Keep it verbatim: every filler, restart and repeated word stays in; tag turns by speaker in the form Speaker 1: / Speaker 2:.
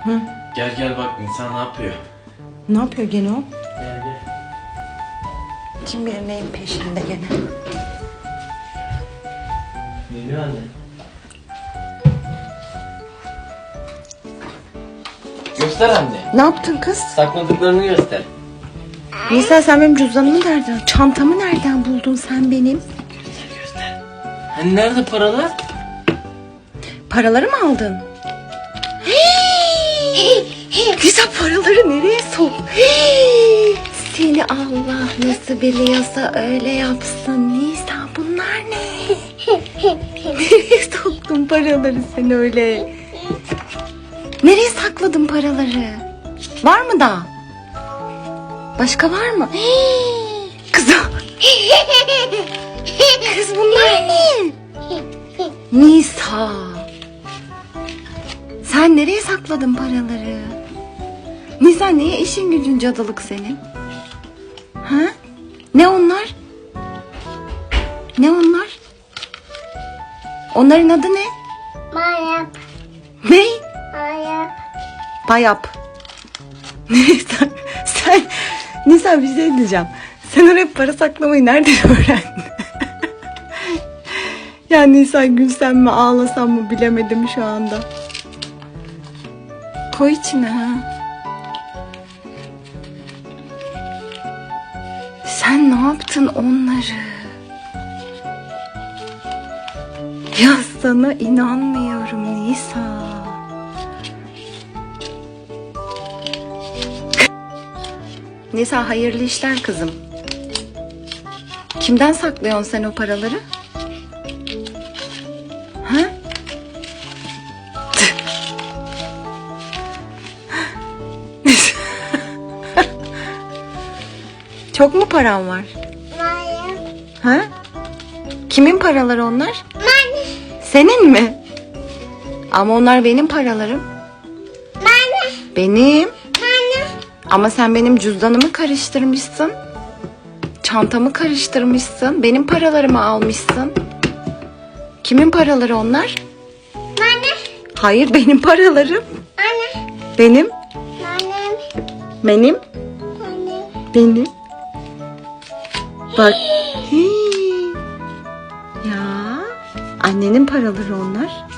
Speaker 1: Hı?
Speaker 2: Gel gel bak insan ne yapıyor?
Speaker 1: Ne yapıyor gene o?
Speaker 2: Gel gel.
Speaker 1: Kim bilir neyin peşinde gene.
Speaker 2: Geliyor anne. Göster anne.
Speaker 1: Ne yaptın kız?
Speaker 2: Sakladıklarını göster.
Speaker 1: Nisa sen benim cüzdanımı nereden, çantamı nereden buldun sen benim?
Speaker 2: Göster göster. Hani nerede paralar?
Speaker 1: Paraları mı aldın? Nisa paraları nereye sok? Seni Allah nasıl biliyorsa öyle yapsın. Nisa bunlar ne? Nereye soktun paraları sen öyle? Nereye sakladın paraları? Var mı daha? Başka var mı? Kız, kız bunlar ne? Nisa. Sen nereye sakladın paraları? Nisa niye işin gücün cadılık senin? Ha? Ne onlar? Ne onlar? Onların adı ne?
Speaker 3: Mayap.
Speaker 1: Ne?
Speaker 3: Mayap.
Speaker 1: Bayap. Nisa sen Nisa bir şey diyeceğim. Sen oraya para saklamayı nereden öğrendin? Ya Nisa gülsem mi ağlasam mı bilemedim şu anda. Koy içine ha. Sen ne yaptın onları? Ya sana inanmıyorum Nisa. Nisa hayırlı işler kızım. Kimden saklıyorsun sen o paraları? Ha? Çok mu paran var?
Speaker 3: Mayap.
Speaker 1: Ha? Kimin paraları onlar?
Speaker 3: Mane.
Speaker 1: Senin mi? Ama onlar benim paralarım.
Speaker 3: Mane.
Speaker 1: Benim.
Speaker 3: Mane.
Speaker 1: Ama sen benim cüzdanımı karıştırmışsın. Çantamı karıştırmışsın. Benim paralarımı almışsın. Kimin paraları onlar?
Speaker 3: Mane.
Speaker 1: Hayır benim paralarım.
Speaker 3: Mane.
Speaker 1: Benim.
Speaker 3: Mane.
Speaker 1: Benim.
Speaker 3: Mane.
Speaker 1: Benim. Bak. Hii. Ya. Annenin paraları onlar.